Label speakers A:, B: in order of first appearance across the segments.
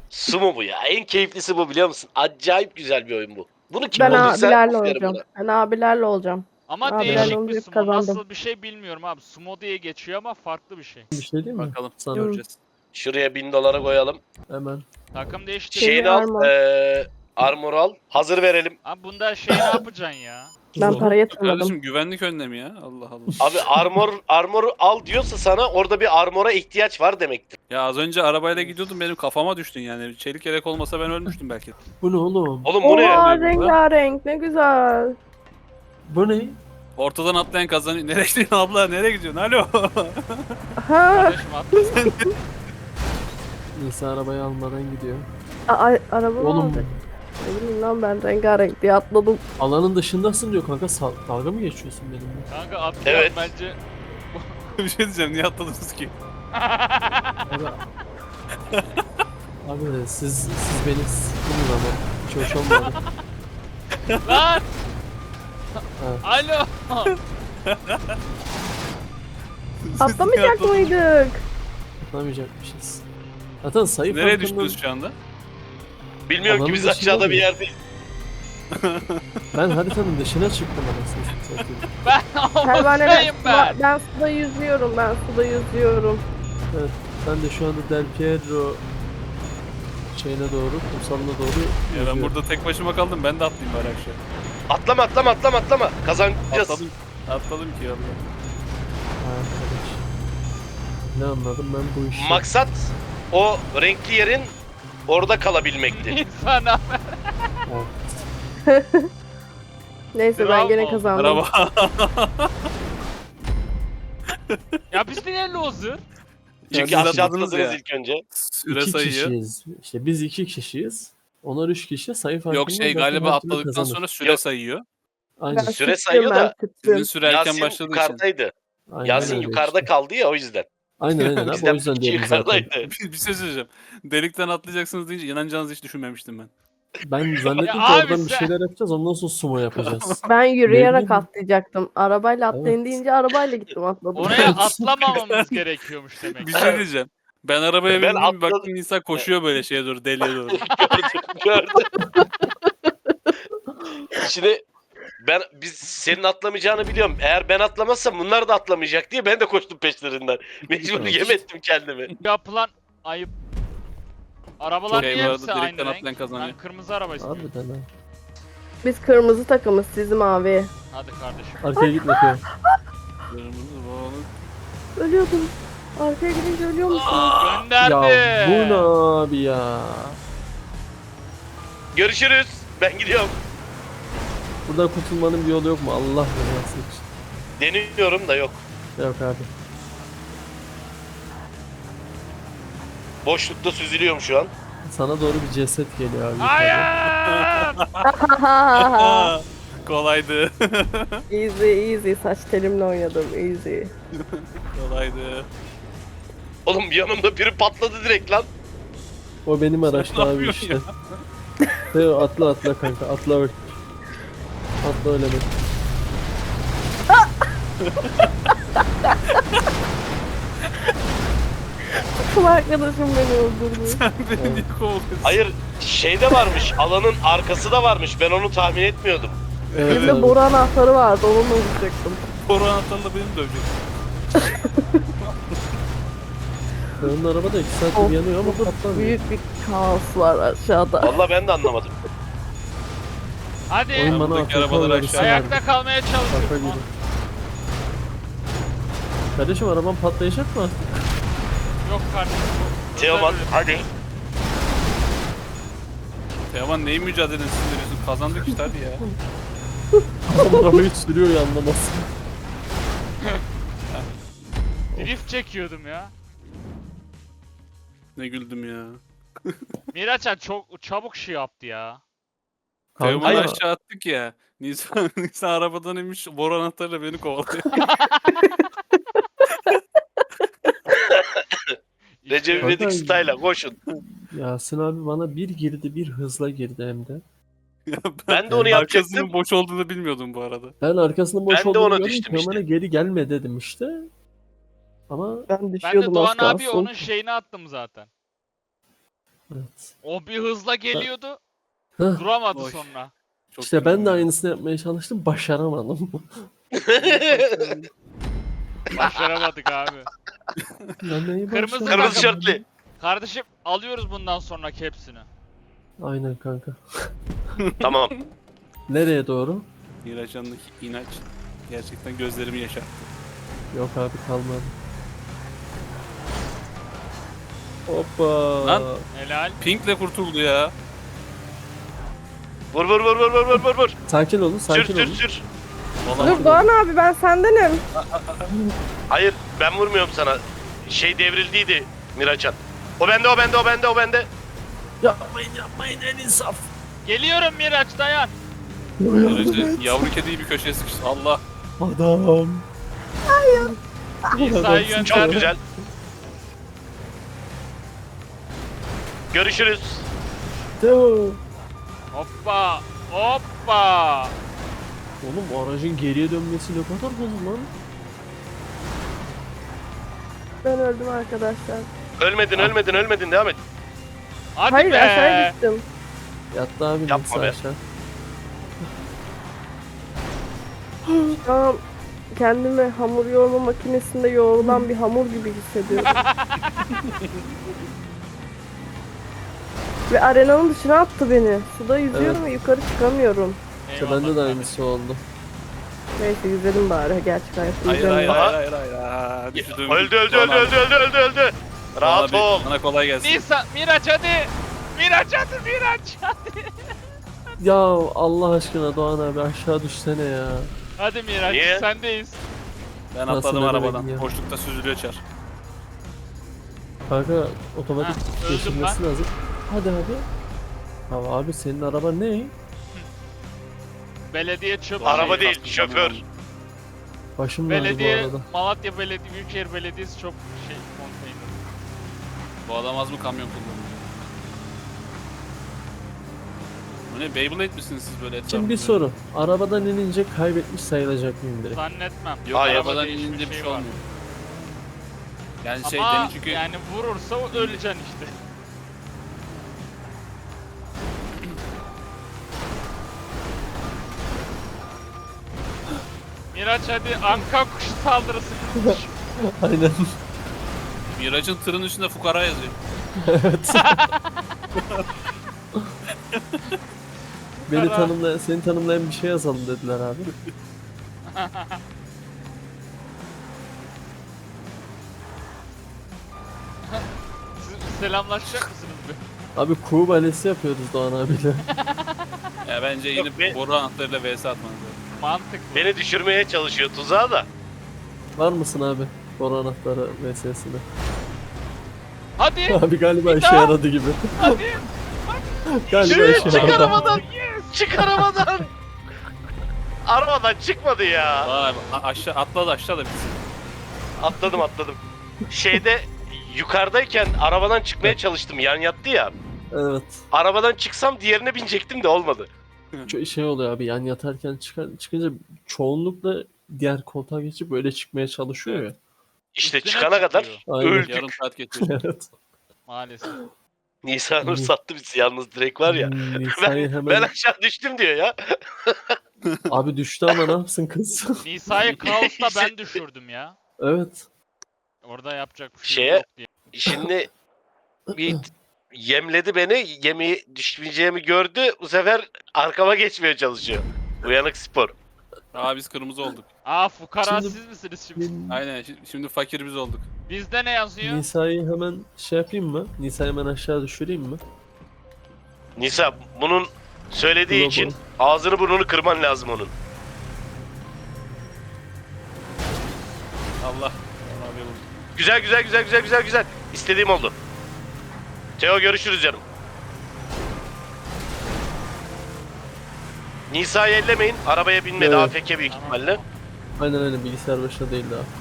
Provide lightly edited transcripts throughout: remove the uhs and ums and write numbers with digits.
A: Sumo bu ya. En keyiflisi bu biliyor musun? Acayip güzel bir oyun bu. Bunu kim
B: Ben
A: bulduysa
B: abilerle
A: aferin
B: olacağım.
A: buna.
B: Ben abilerle olacağım.
C: Ama
B: Abilerle
C: değişik bir
B: olunca
C: sumo.
B: kazandım.
C: Nasıl bir şey bilmiyorum abi. Sumo diye geçiyor ama farklı bir şey.
D: Bir şey değil mi?
E: Bakalım.
D: Sana
E: Göreceğiz.
A: Şuraya 1000 dolara koyalım.
D: hemen.
C: Takım değiştir.
B: Şey-
A: Şeyini al.
B: armor.
A: Armor al. Hazır verelim.
C: Abi bunda şey ne yapacaksın ya?
B: Ben
D: Zor.
B: para yatırmadım.
E: Kardeşim güvenlik önlemi ya. Allah Allah.
A: Abi armoru al diyorsa sana orada bir armora ihtiyaç var demektir.
E: Ya az önce arabayla gidiyordum benim kafama düştün yani. Çelik yelek olmasa ben ölmüştüm belki.
D: Bu ne oğlum?
A: Oğlum bu ne?
B: Oha
E: oluyor burada?
B: rengarenk ne güzel.
D: Bu ne?
E: Ortadan atlayan kazanıyor. Nereye gidiyorsun abla? Nereye gidiyorsun? Alo.
B: Ha,
C: Kardeşim atlasın.
D: Neyse arabayı almadan gidiyor.
B: araba mı
D: Oğlum
B: alacak? Ne bileyim lan ben rengarenk diye atladım.
D: alanın dışındasın diyor kanka. Dalga mı geçiyorsun benimle?
C: Kanka atla
A: Evet.
C: bence.
E: Bir şey diyeceğim. Niye atladınız ki?
D: Abi, abi siz beni sıkılın ama hiç hoş olmadı.
C: Lan!
D: Ha.
C: Alo!
B: Atlamayacak mıydık?
D: Atlamayacakmışız. Zaten sayı
E: Nereye
D: farkından-
E: düştünüz şu anda?
A: Bilmiyorum ki
D: Alanın
A: biz
D: dışında
A: aşağıda
D: mı?
A: bir yerdeyiz.
D: Ben haritanın dışına çıktım anasını satayım.
C: Ben
B: Pervaneler,
C: havuzdayım ben.
B: ben suda yüzüyorum, ben suda yüzüyorum.
D: Evet, ben de şu anda Del Piero şeyine doğru, kumsalına doğru
E: Ya ben
D: yüzüyorum.
E: burada tek başıma kaldım. Ben de atlayayım bari aşağı.
A: Atlama. Kazanacağız.
E: Atladım ki ya.
D: Ha, arkadaş. Ne anladım ben bu işi?
A: Maksat o renkli yerin orada kalabilmekti.
C: İnsana.
D: Evet.
B: Neyse ben
C: Bravo.
B: gene kazandım.
E: Araba.
C: Ya biz niye loser?
A: Çünkü
E: Siz
A: aşağı
E: atladınız
A: atladınız
E: ya.
A: ilk önce.
E: Süre
D: İki
E: sayıyor.
D: kişiyiz. İşte biz 2 kişiyiz. Onlar 3 kişi sayı farkında.
E: Yok şey
D: zaten
E: galiba
D: her türlü
E: atladıktan
D: kazanır.
E: sonra süre
A: Yok.
E: sayıyor.
D: Aynen.
B: Ben
A: Süre
B: tüttüm,
A: sayıyor
B: ben
A: da
E: Sizin
B: tüttüm.
E: süre erken
A: Yasin
E: başladığı için.
A: yukarıdaydı.
D: Aynen
A: Yasin
D: öyle
A: yukarıda
D: işte.
A: kaldı ya o yüzden.
D: Aynen abi
A: Bizden
D: o yüzden
A: bir kişi
D: diyorum zaten.
A: yukarıdaydı.
E: Bir şey söyleyeceğim. Delikten atlayacaksınız deyince inanacağınızı hiç düşünmemiştim ben.
D: Ben zannettim
C: Ya
D: ki
C: abi
D: oradan bir
C: sen-
D: şeyler yapacağız ondan sonra sumo yapacağız.
B: Ben yürüyerek
D: bileyim.
B: atlayacaktım. Arabayla atlayın
D: Evet.
B: deyince arabayla gittim atladım.
C: Oraya atlamamamız gerekiyormuş demek.
E: Bir şey diyeceğim. Ben arabaya
A: Ben
E: bindim bir
A: atladım.
E: baktım insan koşuyor böyle şeye doğru deliğe doğru.
A: Gördüm. Şimdi biz senin atlamayacağını biliyorum. Eğer ben atlamazsam bunlar da atlamayacak diye ben de koştum peşlerinden. Mecbur
D: Evet.
A: yem ettim kendimi.
C: Yapılan ayıp. Arabalar
E: Çok iyi
C: niye
E: bu
C: hepsi
E: arada,
C: aynı
E: direkten atlayan
C: renk?
E: kazanıyor.
C: Ben kırmızı araba istiyorum.
D: Harbiden ha.
B: Biz kırmızı takımız, siz mavi.
C: Hadi kardeşim.
D: Arkaya gitme Teo.
B: Ölüyordum. Arkaya gidince ölüyor musun?
C: Gönderdi.
D: Ya bu ne abi ya?
A: Görüşürüz. Ben gidiyorum.
D: Buradan kurtulmanın bir yolu yok mu? Allah rızası için.
A: Deniyorum da yok.
D: Yok abi.
A: Boşlukta süzülüyorum şu an.
D: Sana doğru bir ceset geliyor abi.
C: Hayır.
E: Kolaydı.
B: Easy saç telimle oynadım easy.
E: Kolaydı.
A: Oğlum yanımda biri patladı direkt lan.
D: O benim araçta abi
E: yapıyorsun
D: işte. Teo atla kanka atla bak. Atla öyle bak.
B: Kız arkadaşım beni öldürdü.
E: Beni niye kovalıyorsun?
A: Hayır şeyde varmış. Alanın arkası da varmış. Ben onu tahmin etmiyordum.
D: Evet
B: Elimde
D: abi.
B: boru anahtarı vardı onunla vuracaktım.
E: Boru anahtarla beni dövecek.
D: Onun araba da 2
B: Of,
D: saattir yanıyor ama patlamıyor.
B: Büyük bir kaos var aşağıda.
A: Vallahi ben de anlamadım.
C: Hadi.
D: Oyun bana
E: buradaki
D: Afrika
E: arabalar
D: uyarısı
E: aşağıya-
D: verdi.
C: Ayakta kalmaya
D: Şaka
C: çalışıyorum.
D: gibi. Kardeşim araban patlayacak mı?
C: Yok kardeşim.
A: Teoman hadi.
E: Teoman neyin mücadelesini veriyorsun? Kazandık işte hadi ya.
D: Adam arabayı sürüyor ya anlamasın.
C: Drift çekiyordum ya.
E: Ne güldüm ya.
C: Miraç'a çok çabuk şey yaptı ya.
E: Teoman'ı
D: Kanka,
E: aşağı attık ya. Nisan arabadan inmiş boru anahtarıyla beni kovalıyor.
A: Recep
D: Kanka-
A: İvedik style'a koşun.
D: Yasin abi bana bir girdi bir hızla girdi hem de.
E: Ya
A: Ben de onu yapacaktım.
E: Arkasının boş olduğunu bilmiyordum bu arada.
D: Ben arkasının boş
A: Ben de
D: olduğunu
A: ona
D: gördüm.
A: düştüm
D: Teoman'a
A: işte.
D: geri gelme dedim işte. Ama
B: Ben
C: Ben de
B: düşüyordum
C: Doğan
B: az
C: abi
B: kalsın.
C: onun şeyini attım zaten.
D: Evet.
C: O bir hızla geliyordu.
D: Hah,
C: Duramadı
E: Oy.
C: sonra.
E: Çok
D: İşte ben de
E: güzel.
D: aynısını yapmaya çalıştım. Başaramadım.
C: Başaramadık abi.
D: Ya neyi
C: Kırmızı
D: başaramadım?
A: Kırmızı şortlu.
C: Kardeşim alıyoruz bundan sonraki hepsini.
D: Aynen kanka.
A: Tamam.
D: Nereye doğru?
E: Miraç'ındaki inanç gerçekten gözlerimi yaşarttı.
D: Yok abi kalmadı. Hoppa.
E: Lan.
C: Helal.
E: Pink'le kurtuldu ya.
A: Vur vur vur vur vur vur vur vur.
D: Sakin olun,
A: Sür
D: sakin
A: sür
D: olun.
A: sür.
B: Dur Doğan abi ben sendenim.
A: Hayır ben vurmuyorum sana. Şey devrildiydi Miraçan. O bende o bende o bende o bende.
D: Yapmayın en insaf.
C: Geliyorum Miraç dayan.
E: Miraç'ı yavru kediyi bir köşeye sıkıştı. Allah.
D: Adam.
C: İsa'yı
A: Çok
C: gönderdim.
A: güzel. Görüşürüz.
D: Devam.
C: Hoppa. Hoppa.
D: Oğlum o aracın geriye dönmesi ne kadar hızlı lan.
B: Ben öldüm arkadaşlar.
A: Ölmedin ölmedin ölmedin devam et.
C: Hadi
B: Hayır
C: be.
B: aşağıya düştüm.
D: Yattı abi
A: Yapma
D: Nisa
A: be.
D: aşağı.
B: Şu an kendimi hamur yoğurma makinesinde yoğrulan bir hamur gibi hissediyorum. Ve arenanın dışına attı beni. Suda yüzüyorum
D: Evet.
B: ve yukarı çıkamıyorum.
D: İşte
C: Eyvallah
D: bende de
C: kardeşim.
D: aynısı oldu.
B: Neyse yüzelim bari. Gerçek hayatta
E: Hayır hayır
B: yüzemiyorum.
E: hayır hayır. Aa, düşürdüm.
A: Öldü öldü öldü
E: Doğan abi.
A: öldü öldü öldü öldü. Rahat
E: Doğan abi,
A: ol.
E: Sana kolay gelsin.
C: Nisa, Miraç hadi. Miraç hadi Miraç hadi.
D: Ya Allah aşkına Doğan abi aşağı düşsene ya.
C: Hadi Miraç
A: Niye?
C: sendeyiz.
E: Ben
D: Nasıl
E: atladım
D: ne
E: arabadan.
D: demek ya?
E: Boşlukta süzülüyor çar.
D: Kanka otomatik
C: Heh, öldüm
D: geçirmesi lazım. Hadi abi. Ya abi senin araba ne?
C: Belediye çöp.
A: Araba
E: Şey,
A: değil
E: kastım
A: şoför.
E: sanıyorum.
D: Başım döndü bu
C: Belediye,
D: arada.
C: Malatya Belediye, Büyükşehir Belediyesi çok şey konteyner.
E: Bu adam az mı kamyon kullanıyor? Bu ne Beyblade misiniz siz böyle etrafında?
D: Şimdi bir soru. Arabadan inince kaybetmiş sayılacak mıyım direkt?
C: Zannetmem.
E: Yok
A: Hayır.
E: arabadan
C: Değişmiş
E: inince bir şey
C: var.
E: olmuyor. Yani şey
C: Ama
E: demin çünkü
C: yani vurursa öleceksin işte. Miraç hadi anka kuşu saldırısı.
D: Aynen.
E: Miraç'ın tırın üstünde fukara yazıyor.
D: Evet. Beni
C: Kara.
D: tanımlayan, seni tanımlayan bir şey yazalım dediler abi.
C: Siz selamlaşacak mısınız bir?
D: Abi kuğu balesi yapıyoruz Doğan abiyle.
E: Ya bence
A: Yok,
E: yeni
A: be-
E: boru anahtarıyla vs atmanız lazım.
C: Mantıklı.
A: Beni düşürmeye çalışıyor tuzağa da.
D: Var mısın abi? Boru anahtarı VS'sine.
C: Hadi
D: Abi galiba işe
C: daha.
D: yaradı gibi.
C: hadi.
D: Galiba
A: Yürü,
D: işe
A: çık
D: yaradı.
A: arabadan. Çık arabadan. Arabadan çıkmadı ya.
E: Vay aşağı atladı aşağı da bitsin.
A: Atladım atladım. Şeyde yukarıdayken arabadan çıkmaya çalıştım. Yan yattı ya.
D: Evet.
A: Arabadan çıksam diğerine binecektim de olmadı.
D: Şey oluyor abi yan yatarken çıkınca çoğunlukla diğer koltuğa geçip böyle çıkmaya çalışıyor ya.
A: İşte
C: Üstüne
A: çıkana kadar
C: çıkıyor.
D: Aynen.
A: öldük.
E: Yarım saat geçiyor.
D: Evet.
C: Maalesef.
A: Nisan Nur sattı bizi yalnız direkt var ya.
D: Nisa'yı hemen...
A: Ben aşağı düştüm diyor ya.
D: Abi düştü ama ne yapsın kız?
C: Nisa'yı kaosta ben düşürdüm ya.
D: Evet.
C: Orada yapacak bir şey
A: Şeye-
C: yok diye.
A: Şimdi bir yemledi beni. Yemeği düşmeyeceğimi gördü. Bu sefer arkama geçmeye çalışıyor. Uyanık spor.
E: Aa biz kırmızı olduk.
C: Aa fukara
D: Şimdi-
C: siz misiniz şimdi?
E: Aynen şimdi fakir biz olduk.
C: Bizde ne yazıyor?
D: Nisa'yı hemen şey yapayım mı? Nisa'yı hemen aşağı düşüreyim mi?
A: Nisa bunun söylediği
D: Global.
A: için ağzını burnunu kırman lazım onun.
E: Allah. Abi vurdu.
A: Güzel güzel güzel güzel güzel güzel. İstediğim oldu. Teo görüşürüz canım. Nisa'yı ellemeyin. Arabaya binmedi.
D: Evet.
A: AFK büyük
C: Tamam,
A: ihtimalle.
D: Aynen aynen bilgisayar başında değil daha.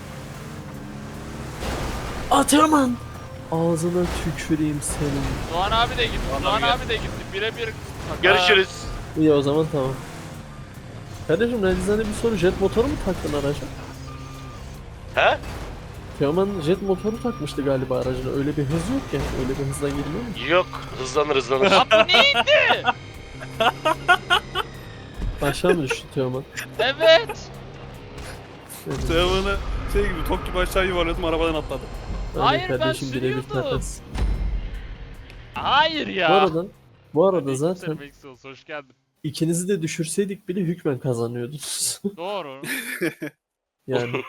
D: Ataman! Ağzına tüküreyim senin.
C: Doğan abi de gitti.
E: Doğan
C: Doğan
E: abi
C: abi de gitti. Birebir.
A: Görüşürüz.
D: İyi o zaman tamam. Kardeşim Redizane bir soru jet motoru mu taktın araca?
A: He?
D: Teoman jet motoru takmıştı galiba aracına. Öyle bir hız yok ya. Öyle bir hızla girmiyor mu?
A: Yok, hızlanır.
C: Lan bu neydi?
D: Aşağı mı düştü Teoman?
C: Evet.
D: Evet.
E: Teoman'ı şey gibi top gibi aşağı yuvarladım arabadan atladı.
D: Öyle
C: Hayır, ben
D: kardeşim, birebir
C: sürüyordum.
D: takas.
C: Hayır ya.
D: Bu arada
C: Aleykümselam,
D: zaten
C: Exos, hoş geldin.
D: ikinizi de düşürseydik bile hükmen kazanıyordunuz.
C: Doğru.
D: Yani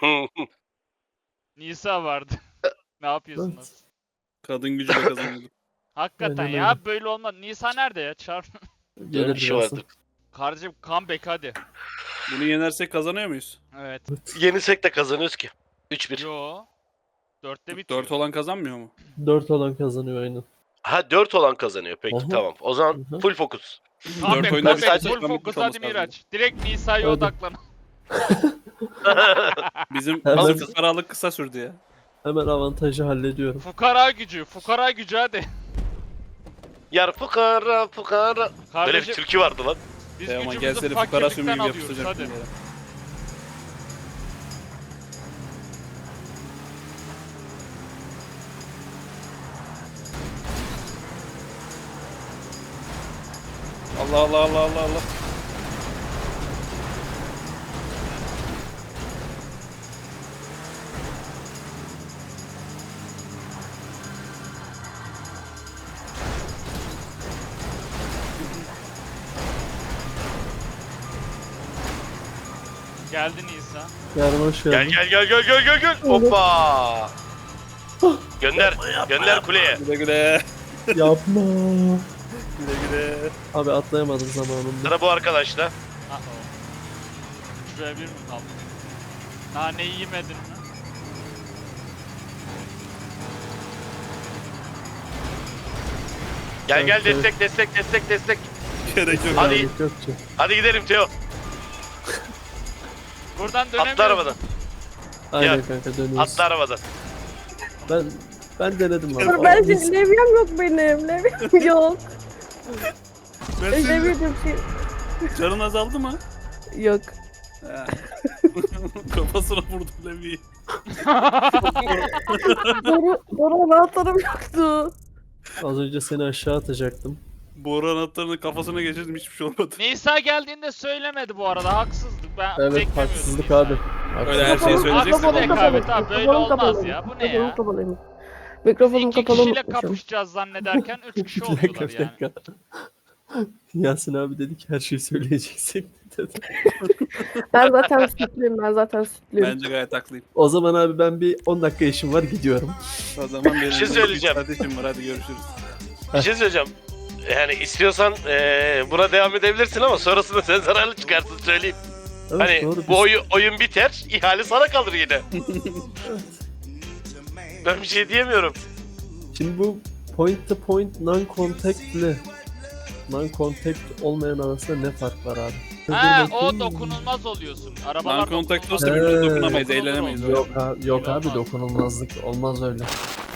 C: Nisa vardı. Ne yapıyorsunuz?
E: Kadın gücüyle kazanıyorduk.
C: Hakikaten
D: Aynen
C: ya
D: öyle.
C: böyle olmaz. Nisa nerede ya? Çağır.
D: gelir
A: bir şey
D: birazdan.
A: vardı.
C: Kardeşim comeback hadi.
E: Bunu yenersek kazanıyor muyuz?
C: Evet.
A: Yenisek de kazanıyoruz ki. 3-1.
C: Yo. 4'te bitiyor.
E: 4 olan kazanmıyor mu?
D: 4 olan kazanıyor aynen.
A: Ha 4 olan kazanıyor. Peki
D: Aha.
A: tamam. O zaman
D: Aha.
A: full fokus.
C: Comeback,
E: Dört oyunda
C: comeback,
A: bir sadece
C: full
E: comeback
C: focus
E: olması
C: hadi
E: lazım.
C: Miraç. Direkt Nisa'ya
D: Hadi.
C: odaklan.
E: Bizim
D: Hemen-
E: fukaralık kısa sürdü ya.
D: Hemen avantajı hallediyorum.
C: Fukara gücü hadi.
A: Yar fukara. Böyle bir
C: Kardeşim
A: türkü vardı lan.
C: biz
E: Teoman
C: gücümüzü
E: gelse de fukara sümüğü
C: fakirlikten
E: gibi
C: alıyoruz
E: yapıştıracak.
C: hadi.
E: yere. Allah Allah Allah Allah Allah.
C: Geldi Nisa.
D: Yarın hoş
A: Gel
D: geldin.
A: gel. Hoppa. Gönder kuleye.
E: Güle güle.
D: Yapma.
E: Güle güle.
D: Abi atlayamadım zamanında.
A: Sıra bu arkadaşla.
C: Uh-oh. 3'e 1 mi kaldı? Naneyi yemedin mi?
A: Gel
D: Evet,
A: destek.
E: Gerek yok.
A: Hadi.
D: Yok, yok ki.
A: Hadi gidelim Teo.
C: Buradan dönemiyoruz.
A: Atla arabadan.
D: Aynen
A: Ya,
D: kanka dönüyoruz.
A: Atla arabadan.
D: Ben denedim abi.
B: Dur ben
D: Biz-
B: levyem yok benim. Levyem yok.
E: Ben senin
B: Levye diye bir şey
E: canın azaldı mı?
B: yok.
E: He. Kafasına vurdum Levi'yi.
B: Doğru anahtarım yoktu.
D: Az önce seni aşağı atacaktım.
E: Boru anahtarını kafasına geçirdim hiçbir şey olmadı.
C: Nisa geldiğinde söylemedi bu arada. Haksızlık. Ben
D: Evet
C: beklemiyordum
D: haksızlık
C: Nisa'yı.
D: abi.
E: Öyle her şeyi söyleyeceksin.
C: Haksızlık
E: Mikrofonum
C: rekabet abi. Böyle olmaz ya. Bu ne ya?
B: Mikrofonum kapalıymış. Mikrofonum
C: İki
B: kapalı
C: kişiyle
B: unutmuşum.
C: kapışacağız zannederken 3 kişi
D: Bir
C: oluyorlar
D: dakika, bir
C: yani.
D: dakika. Yasin abi dedi ki her şeyi söyleyeceksin dedi.
B: Ben zaten sütlüyüm.
E: Bence gayet haklıyım.
D: O zaman abi ben bir 10 dakika işim var gidiyorum.
E: O zaman benim
A: şey söyleyeceğim.
E: kardeşim var hadi görüşürüz.
A: Bir şey söyleyeceğim. Yani istiyorsan buna devam edebilirsin ama sonrasında sen zararlı çıkarsın söyleyeyim.
D: Evet,
A: Hani
D: doğru.
A: bu oyun biter, ihale sana kalır yine. Ben bir şey diyemiyorum.
D: Şimdi bu point to point non-contact ile non-contact olmayan arasında ne fark var abi?
C: Ha
D: Dur
C: o
D: bakayım.
C: dokunulmaz oluyorsun. Arabalar
E: Non-contact
C: dokunulmaz.
E: olsa birbirine
D: He.
E: dokunamayız, eğlenemeyiz.
D: Yok abi
C: Öyle olmaz.
D: dokunulmazlık olmaz öyle.